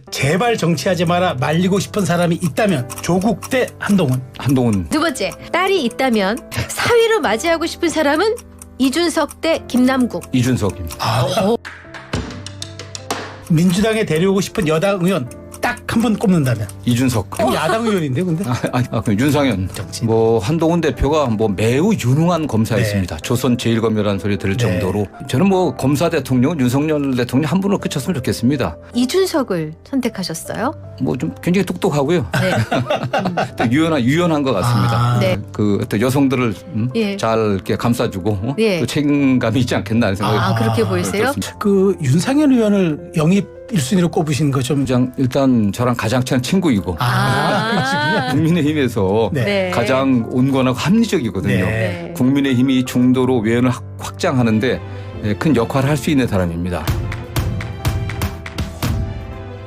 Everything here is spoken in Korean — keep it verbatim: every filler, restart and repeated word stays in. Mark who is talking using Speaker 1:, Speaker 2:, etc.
Speaker 1: 제발 정치하지 마라 말리고 싶은 사람이 있다면 조국 대 한동훈.
Speaker 2: 한동훈.
Speaker 3: 두 번째, 딸이 있다면 사위로 맞이하고 싶은 사람은 이준석 대 김남국.
Speaker 2: 이준석입니다.
Speaker 1: 아, 민주당에 데려오고 싶은 여당 의원 딱 한 분 꼽는다면.
Speaker 2: 이준석.
Speaker 1: 그럼 야당 의원인데 근데.
Speaker 2: 아, 아니, 아, 그럼 윤상현.
Speaker 1: 정치.
Speaker 2: 뭐 한동훈 대표가 뭐 매우 유능한 검사였습니다.
Speaker 1: 네.
Speaker 2: 조선 제일검이라는 소리 들을
Speaker 1: 네.
Speaker 2: 정도로 저는 뭐 검사 대통령 윤석열 대통령 한 분으로 그쳤으면 좋겠습니다.
Speaker 3: 이준석을 선택하셨어요?
Speaker 2: 뭐 좀 굉장히 똑똑하고요.
Speaker 3: 네.
Speaker 2: 또 유연한 유연한 것 같습니다.
Speaker 1: 아,
Speaker 3: 네.
Speaker 2: 그 어떤 여성들을 음?
Speaker 3: 예.
Speaker 2: 잘 이렇게 감싸주고 어?
Speaker 3: 예.
Speaker 2: 또 책임감이 있지 않겠나 하는 생각이
Speaker 3: 아, 그렇게
Speaker 1: 아,
Speaker 3: 보이세요?
Speaker 2: 그렇습니다.
Speaker 1: 그 윤상현 의원을 영입 일 순위로 꼽으신 거 좀.
Speaker 2: 일단, 일단 저랑 가장 친한 친구이고
Speaker 3: 아.
Speaker 2: 국민의힘에서
Speaker 1: 네.
Speaker 3: 네.
Speaker 2: 가장 온건하고 합리적이거든요.
Speaker 1: 네.
Speaker 3: 네.
Speaker 2: 국민의힘이 중도로 외연을 확- 확장하는데 큰 역할을 할 수 있는 사람입니다.